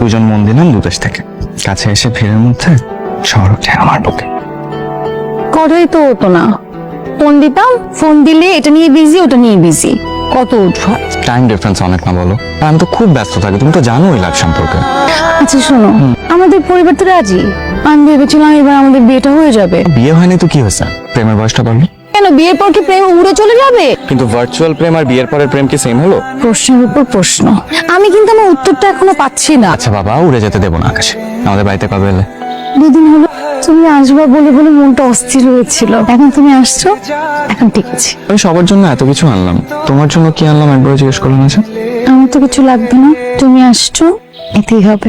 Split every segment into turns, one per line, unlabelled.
দুজন মন দিলাম দুদেশ থেকে, কাছে এসে ভিড়ের মধ্যে শহর ওঠে আমার বুকে।
কথাই তো হতো না, ফোন দিতাম, ফোন দিলে এটা নিয়ে বিজি ওটা নিয়ে বিজি, কত উঠা।
টাইম ডিফারেন্স অনেক না বলো? আর আমি তো খুব ব্যস্ত থাকি, তুমি তো জানোই লাইফ সম্পর্কে।
আচ্ছা শোনো, আমাদের পরিবার তো রাজি। আমি ভেবেছিলাম এবার আমাদের বিয়েটা হয়ে যাবে।
বিয়ে হয়নি তো কি হয়েছে, প্রেমের বয়সটা বাড়লো।
কেন, বিয়ের পর কি প্রেম উড়ে চলে যাবে?
কিন্তু ভার্চুয়াল প্রেম আর বিয়ের পরের প্রেম কি সেম হলো?
প্রশ্নের উপর প্রশ্ন, আমি কিন্তু আমার উত্তরটা এখনো পাচ্ছি না।
আচ্ছা বাবা, উড়ে যেতে দেবো না আকাশে। আমাদের বাড়িতে কবে এলে?
দুদিন হলো। তুমি আসবা বলে বলে মনটা অস্থির হয়েছিল, এখন তুমি আসছো, এখন ঠিক আছে।
আমি সবার জন্য এত কিছু আনলাম, তোমার জন্য কি আনলাম একবার জিজ্ঞেস করলাম না?
আমার তো কিছু লাগবে না, তুমি আসছো এতেই হবে।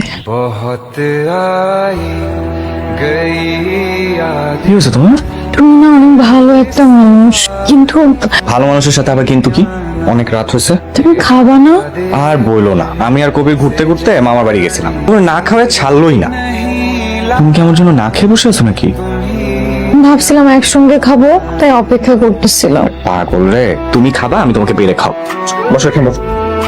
কি হয়েছে তোমার?
তুমি না অনেক ভালো একটা মানুষ, কিন্তু
ভালো মানুষের সাথে আবার কিন্তু কি? অনেক রাত হয়েছে।
তুমি খাবা না?
আর বইলো না, আমি আর কবির ঘুরতে ঘুরতে মামার বাড়ি গেছিলাম, তুমি না খাওয়ায় ছাড়লোই না। তুমি কি আমার জন্য না খেয়ে বসে আছো নাকি?
ভাবছিলাম একসঙ্গে খাবো, তাই অপেক্ষা করতেছিলাম।
পাগল রে, তুমি খাবা, আমি তোমাকে বেড়ে খাও। বসো এখানে বসো।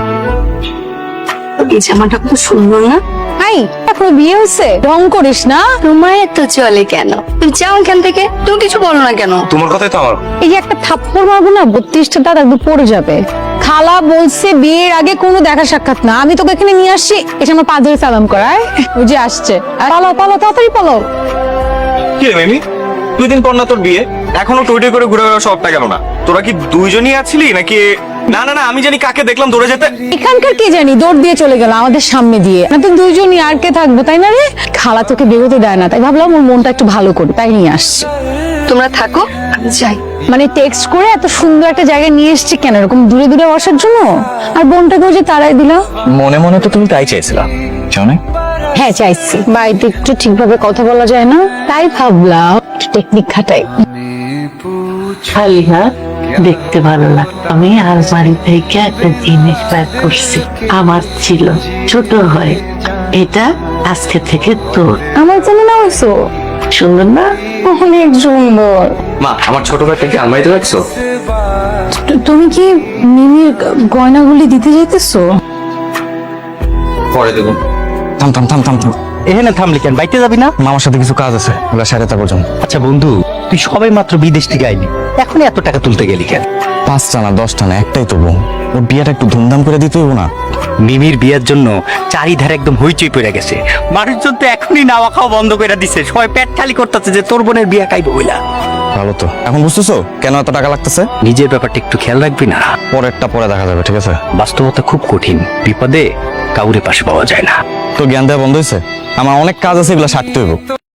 এই জামাটা খুব সুন্দর না?
হাই, এখন বিয়ে হয়েছে, রং করিস না।
তোমার এত চলে কেন? তুমি যাও এখান থেকে, তুমি কিছু বলো না কেন?
তোমার কথাই তো আমার।
এই যে একটা থাপ্পড় মারবো না, 32টা দাঁত একদম পড়ে যাবে। খালা বলছে বিয়ের আগে কোনো দেখা সাক্ষাৎ না, আমি তোকে এখানে নিয়ে আসছি, এসে আমার পা ধরে সালাম করায়। ওই যে আসছে, পালাও পালাও, তাড়াতাড়ি পালাও।
কি রে মিমি, 2 দিন পর না তোর বিয়ে, এখনো টুইটে করে ঘুরে বেড়াও শখটা গেল না? তোরা কি দুইজনই আছিলি নাকি? না না না, আমি জানি কাকে দেখলাম দৌড়ে যেতে।
এখানকার কে জানি দৌড় দিয়ে চলে গেল আমাদের সামনে দিয়ে। না তো দুইজনই, আর কে থাকবো, তাই না রে? খালা তোকে বেরোতে দেয় না, তাই ভাবলাম ওর মনটা একটু ভালো করে, তাই নিয়ে আসছি।
তোমরা থাকো, আমি যাই।
মানে টেক্সট করে এত সুন্দর একটা জায়গায় নিয়ে এসছি কেন, এরকম দূরে দূরে বসার জন্য? আর বোনটাকেও যে তারাই দিলা।
মনে মনে তো তুমি তাই চাইছিলা, চাও না?
হ্যাঁ চাইছি, বাড়িতে একটু ঠিকভাবে কথা বলা যায় না, তাই ভাবলাম একটু টেকনিক খাটাই।
খালিহা দেখতে ভালো লাগে। আমি আলমারি থেকে একটা জিনিস বের করছি, আমার ছিল, ছোট হয়। এটা আজকে থেকে তোর।
আমার জন্য না হয়েছো?
সুন্দর না?
অনেক সুন্দর।
মা, আমার ছোট ভাইটা কি আলমারিতে রাখছো?
তুমি কি মিমির গয়নাগুলি দিতে যাইতেছো?
পরে দেবো। থাম থাম থাম থাম থাম।
এখানে থামলি কেন? বাইতে যাবি না?
মামার সাথে কিছু কাজ আছে, ওগুলা সাড়ে তা পর্যন্ত।
আচ্ছা বন্ধু, তুই সবাই মাত্র বিদেশ থেকে আইলি, এখন এত টাকা তুলতে গেলি কেন?
5টা না 10টা না, একটাই তো বোন, ওর বিয়েটা একটু ধুমধাম করে দিতে হইব না?
মিমির বিয়ের জন্য চারিধারে একদম হইচই পড়ে গেছে, মানুষজন তো এখনই নাওয়া খাওয়া বন্ধ করে দিছে, সবাই পেট খালি করতেছে যে তোর বোনের বিয়ে খাইবো বইলা।
ভালো তো, এখন বুঝতেছো কেন এত টাকা লাগতেছে?
নিজের ব্যাপারটা একটু খেয়াল রাখবি না?
পরেরটা পরে দেখা যাবে, ঠিক আছে?
বাস্তবতা খুব কঠিন, বিপদে কাউরে পাশে পাওয়া যায় না।
তো জ্ঞান দেওয়া বন্ধ হয়েছে, আমার অনেক কাজ আছে, এগুলো সারতে হইব।